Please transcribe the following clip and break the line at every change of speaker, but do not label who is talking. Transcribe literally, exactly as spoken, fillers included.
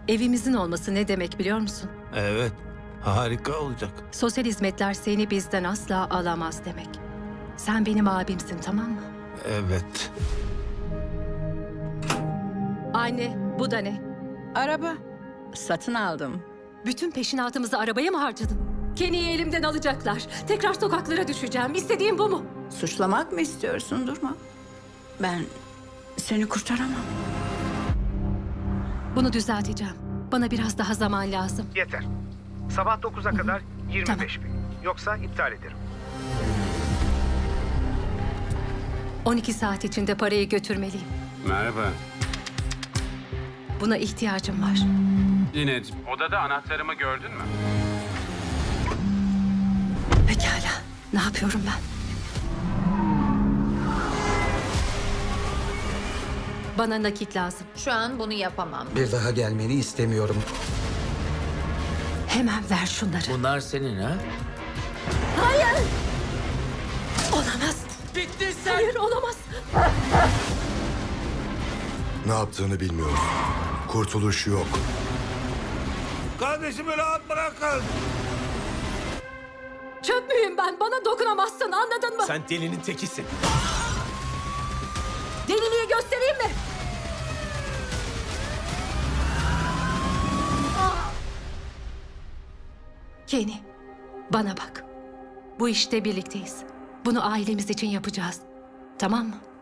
Evimizin olması ne demek biliyor musun?
Evet, harika olacak.
Sosyal hizmetler seni bizden asla alamaz demek. Sen benim abimsin, tamam mı?
Evet.
Anne, bu da ne?
Araba. Satın aldım.
Bütün peşinatımızı arabaya mı harcadın? Kenny'yi elimden alacaklar. Tekrar sokaklara düşeceğim. İstediğin bu mu?
Suçlamak mı istiyorsun? Durma. Ben seni kurtaramam.
Bunu düzelteceğim. Bana biraz daha zaman lazım.
Yeter. Sabah dokuza kadar yirmi beş bin. Yoksa iptal ederim.
on iki saat içinde parayı götürmeliyim.
Merhaba.
Buna ihtiyacım var.
Linet, odada anahtarımı gördün mü?
Pekala. Ne yapıyorum ben? Bana nakit lazım.
Şu an bunu yapamam.
Bir daha gelmeni istemiyorum.
Hemen ver şunları.
Bunlar senin ha?
Olamaz.
Bittin sen!
Hayır, olamaz.
Ne yaptığını bilmiyorum. Kurtuluş yok.
Kardeşimi rahat bırakın.
Çöp müyüm ben? Bana dokunamazsın, anladın mı?
Sen delinin tekisin.
Deliliği göstereyim mi? Kenny, bana bak. Bu işte birlikteyiz. Bunu ailemiz için yapacağız. Tamam mı?